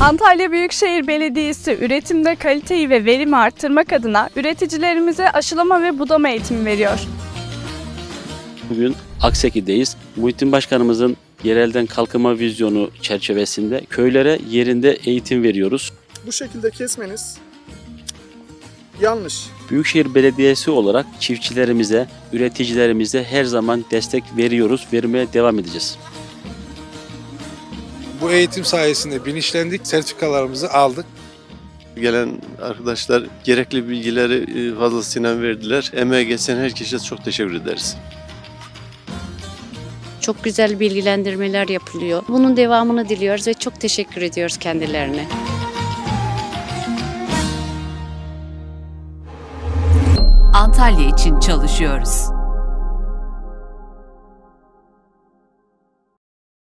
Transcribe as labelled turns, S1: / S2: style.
S1: Antalya Büyükşehir Belediyesi üretimde kaliteyi ve verimi arttırmak adına üreticilerimize aşılama ve budama eğitimi veriyor.
S2: Bugün Akseki'deyiz. Muhittin Başkanımızın yerelden kalkınma vizyonu çerçevesinde köylere yerinde eğitim veriyoruz.
S3: Bu şekilde kesmeniz yanlış.
S2: Büyükşehir Belediyesi olarak çiftçilerimize, üreticilerimize her zaman destek veriyoruz, vermeye devam edeceğiz.
S4: Bu eğitim sayesinde bilinçlendik, sertifikalarımızı aldık.
S5: Gelen arkadaşlar gerekli bilgileri fazlasıyla verdiler. Emeğe geçen herkese çok teşekkür ederiz.
S6: Çok güzel bilgilendirmeler yapılıyor. Bunun devamını diliyoruz ve çok teşekkür ediyoruz kendilerine.
S7: Antalya için çalışıyoruz.